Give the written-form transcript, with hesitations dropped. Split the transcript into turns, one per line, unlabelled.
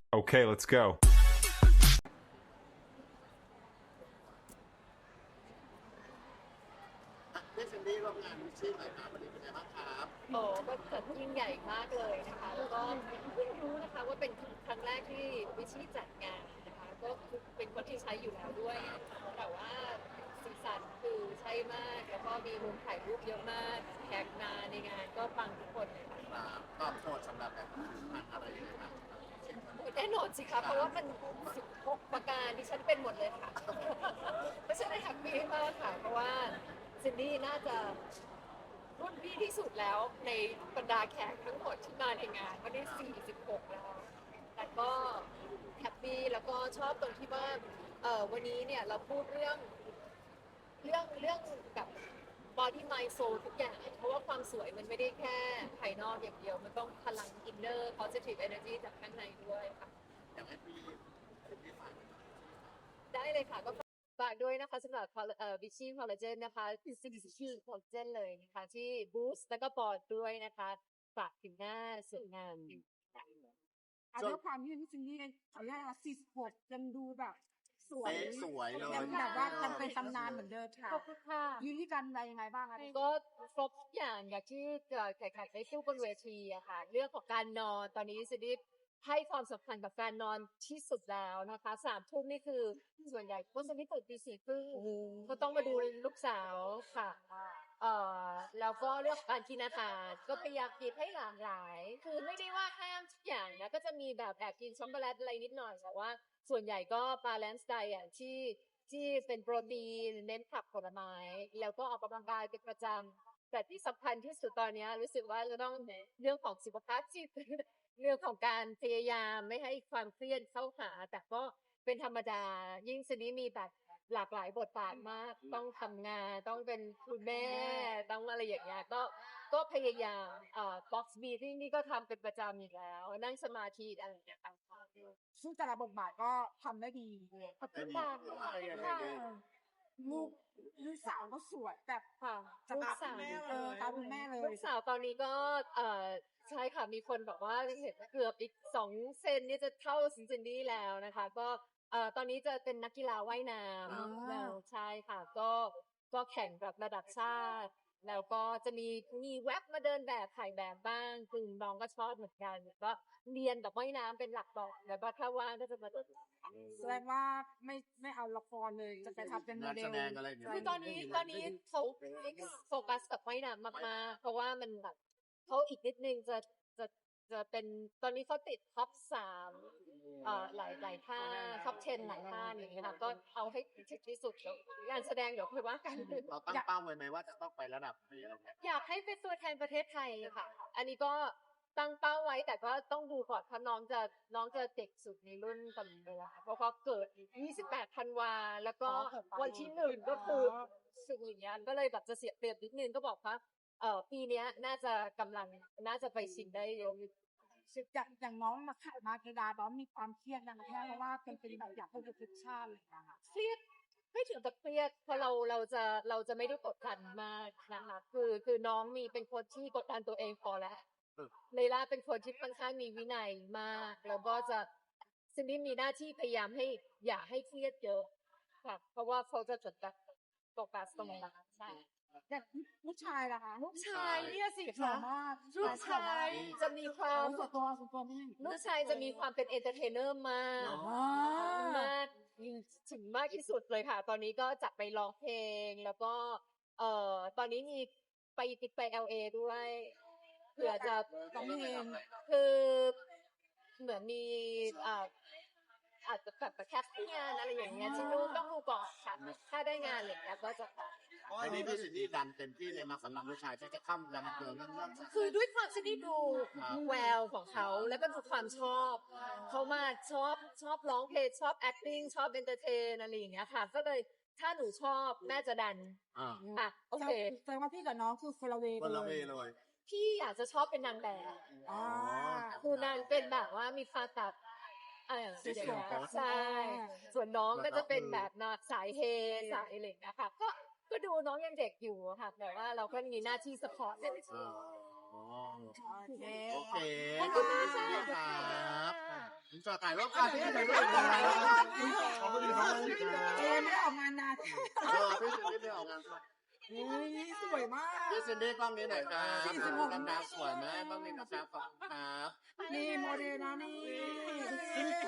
Okay, let's go.
พี่ซินดี้ร่วมงานวิชี่หน่อยครับวันนี้เป็นไงบ้างครับ
โอ้ก็จัดยิ่งใหญ่มากเลยนะคะ แล้วก็เพิ่งรู้นะคะว่าเป็นครั้งแรกที่วิชี่จัดงานนะคะ ก็คือเป็นคนที่ใช้อยู่แล้วด้วย แต่ว่าสีสันคือใช่มาก แล้วก็มีมุมถ่ายรูปเยอะมากแขกมาในงานก็ปังทุกคนเลยค่ะ
ตอบโจทย์สำหรับแบบงานอะไรยังไงบ้าง
แน่นอนสิคะเพราะว่ามัน16ประการที่ฉันเป็นหมดเลยค่ะ เพราะฉะนั้นแฮปปี้มากค่ะ เพราะว่าซินดี้น่าจะรุ่นพี่ที่สุดแล้วในบรรดาแขกทั้งหมดที่มาในงานก็ได้46แล้ว แต่ก็แฮปปี้แล้วก็ชอบตรงที่ว่าวันนี้เนี่ยเราพูดเรื่องแบบ body mind soul ทุกอย่าง เพราะว่าความสวยมันไม่ได้แค่ภายนอกอย่างเดียว มันต้องพลัง inner positive energy จากข้างในด้วยค่ะ
อยากให้พี่ฝาก
ได้เลยค่ะก็ฝากด้วยนะคะสำหรับวิชี่คอลลาเจนนะคะซึ่งชื่อคอลลาเจนเลยนะคะที่บูสต์แล้วก็ปอดด้วยนะคะฝากถึงหน้าสวยงาม
ด้วยความที่พี่ซินดี้เขาเรียกว่า46ยังดูแบบสวย
สวยเลย
ยังแบบว่ายังเป็นตำนานเหมือนเดิมค่ะ
ขอบคุณค่ะ
ยืนที่กันอะไรยังไงบ้างคะ
ก็ครบทุกอย่างอย่างที่แขกได้สู้บนเวทีอะค่ะเรื่องของการนอนตอนนี้ซินดี้ให้ความสำคัญกับการนอนที่สุดแล้วนะคะ3 ทุ่มนี่คือส่วนใหญ่คนจะไม่ตื่นตี 4 ครึ่งก็ต้องมาดูลูกสาวค่ะแล้วก็เรื่องของการกินอาหารก็พยายามกินให้หลากหลายคือไม่ได้ว่าห้ามทุกอย่างนะก็จะมีแบบแอบกินช็อกโกแลตอะไรนิดหน่อยแต่ว่าส่วนใหญ่ก็บาลานซ์ไดอะที่เป็นโปรตีนเน้นผักผลไม้แล้วก็ออกกำลังกายเป็นประจำแต่ที่สำคัญที่สุดตอนนี้รู้สึกว่าจะต้องเรื่องของสุขภาพจิต เรื่องของการพยายามไม่ให้ความเครียดเข้าหาแต่ก็เป็นธรรมดายิ่งสนี้มีแบบหลากหลายบทบาทมากต้องทำงานต้องเป็นคุณแม่ต้องอะไรอย่างเงี้ยก็พยายามbox meeting นี่ก็ทำเป็นประจำอยู่แล้วนั่งสมาธิอะไรอย่างเงี้ยค่ะ
ซึ่งแต่ละบทบาทก็ทำได้ดี
ขอบคุณค่ะ
ลูกลูกสาวก็สวยแบบ
ค่ะ
จะ
ลูก
ตาม
สาว
ตามคุณแม่เลย
ลูกสาวตอนนี้ก็ใช่ค่ะมีคนบอกว่าเห็นเกือบอีก2 เซนนี่จะเท่าซินดี้แล้วนะคะก็ตอนนี้จะเป็นนักกีฬาว่ายน้ำแล้วใช่ค่ะก็แข่งแบบระดับชาติแล้วก็จะมีแว็บมาเดินแบบถ่ายแบบบ้างคือน้องก็ชอบเหมือนกันก็เรียนแบบว่ายน้ำเป็นหลักก่อนแล้วก็ถ้าว่างก็จะมา
แสดงว่าไม่เอาละครเลยจะไปทำเป็นโม
งาน
เด
แส
ล
ดงอะไรอย่างเงี้ย
คือตอนนี้เขาโฟกัสกับว่ายน้ำมากๆเพราะว่ามันแบบเขาอีกนิดนึงจะเป็นตอนนี้เขาติดท็อป3หลายท่าท็อป10หลายท่าอย่างเงี้ยค่ะก็เอาให้ถึงที่สุดแล้วงานแสดงเดี๋ยวคุยว่ากัน
เราตั้งเป้าไว้ไหมว่าจะต้องไประดับนี้อะไรเงี้ย
อยากให้เป็นตัวแทนประเทศไทยค่ะ อันนี้ก็ตั้งเป้าไว้แต่ก็ต้องดูก่อนเพราะน้องจะเด็กสุดในรุ่นตอนนี้เลยค่ะเพราะเขาเกิด28 ธันวาแล้วก็วันที่1ก็คือสุดอย่างเงี้ยก็เลยแบบจะเสียเปรียบนิดนึงก็บอกว่าปีเนี้ยน่าจะไปชิงได้เยอะ
อย่างน้องมาขายมาเกดาน้องมีความเครียดนะคะเพราะว่าเป็นแบบอยากให้ทุกชาติเลยนะคะ
เครียดไม่ถึงกับเครียดเพราะเราจะไม่ได้กดดันมากนะคะคือน้องเป็นคนที่กดดันตัวเองพอแล้วเลล่าเป็นคนที่ค่อนข้างมีวินัยมากแล้วก็จะซินดี้มีหน้าที่พยายามให้อย่าให้เครียดเยอะค่ะเพราะว่าเขาจะจดแบบโฟกัสตรงนั้นใช่
แต่ลูกชายล่ะคะ
ลูกชายเนี่ยสิ
หล่อ
คะ
มาก
ลูกชายจะมีความ
ส่วนตัวนี่
ลูกชายจะมีความเป็นเอนเตอร์เทนเนอร์มาก มากถึงมากที่สุดเลยค่ะ ตอนนี้ก็จับไปร้องเพลงแล้วก็ตอนนี้มีไป LA ด้วยเผื่อจะ
ร้องเพลง
คือเหมือนมีอาจจะแบบแคสติ้งงานอะไรอย่างเงี้ยที่นู่นต้องดูก่อนค่ะถ้าได้งานอะไรอย่างเงี้ยก็จะ
อันนี้พี่ซินดี้ดันเต็มที่เลยมาสำหรับผู้ชายที่จะข้ามดันเกินเรื่อง
คือด้วยความที่ได้ดูแววของเขาแล้วก็ดูความชอบเขามาชอบร้องเพลงชอบ acting ชอบ entertain อะไรอย่างเงี้ยค่ะก็เลยถ้าหนูชอบแม่จะดันอ่ะโอเค
แสดงว่าพี่กับน้องคือคนละเว
คนละ
เล
เวย เลย
พี่อยากจะชอบเป็นนางแบบ
อ๋อ
คือนางเป็นแบบว่ามีความแบบใช่ส่วนน้องก็จะเป็นแบบสายเฮสายอะไรอย่างเงี้ยค่ะก็ดูน้องยังเด็กอยู่ค่ะแต่ว่าเราก็มีหน้าที่สปอร์ต
โอเค
โอเคขอบคุณพี่ซินดี้ครับผมจะถ่ายรูปกันพี่ถ่ายรูปกันขอบคุณครับ
ไม่ได้ออกงานนาน
พี่ซินดี้ไม่ออกงาน
นี่สวยมาก
พี่ซินดี้กล้องนี้หน่อยครับกล้องน้ำสวยไหมกล้องนี้นะครับขอบคุณครับ
นี่โมเดลนะนี่